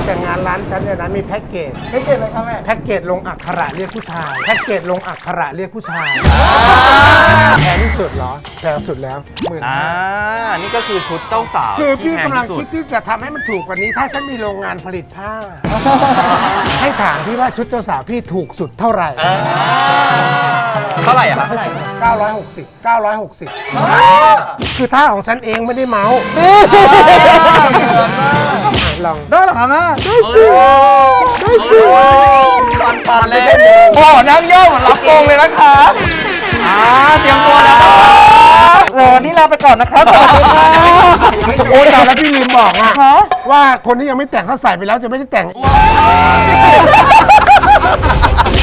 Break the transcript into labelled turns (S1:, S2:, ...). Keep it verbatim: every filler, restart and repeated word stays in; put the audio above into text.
S1: แต่งงานร้านฉันเนี่ยนะมีแพ็กเกจ
S2: ไม่เกตเลยครับแม่
S1: แพ็กเกจลงอักขระเรียกผู้ชายแพ็กเกจลงอักขระเรียกผู้ชายแพงที่สุดเหรอแพงสุดแล้วหมื่น
S3: อ่า นี่ก็คือชุดเจ้าสาว
S1: คือ
S3: ที่
S1: พี่
S3: แพง
S1: กำลัง
S3: ที่สุ
S1: คิ
S3: ด
S1: ดที่จะทำให้มันถูกกว่านี้ ถ้าฉันมีโรงงานผลิตผ้า ให้ถามพี่ว่าชุดเจ้าสาวพี่ถูกสุดเท่าไหร่
S3: เท่าไหร่อะครับ
S1: เก้าร้อยหกสิบ เก้าร้อยหกสิบ คือท่าของฉันเองไม่ได้เมาส์ลอง
S2: ได้เหรอครับแม่
S1: ได้สิได้สิ
S3: ปันปันเลยโอ้นั่งย่อเหมือนรับโกงเลยนะคะอ่าเตรียมตัวแล้ว
S2: เออนี่ลาไปก่อนนะครับสวัสดีค่ะ
S1: โอ้ยแต่แล้วพี่ลืมบอกอะว่าคนที่ยังไม่แต่งถ้าใส่ไปแล้วจะไม่ได้แต่ง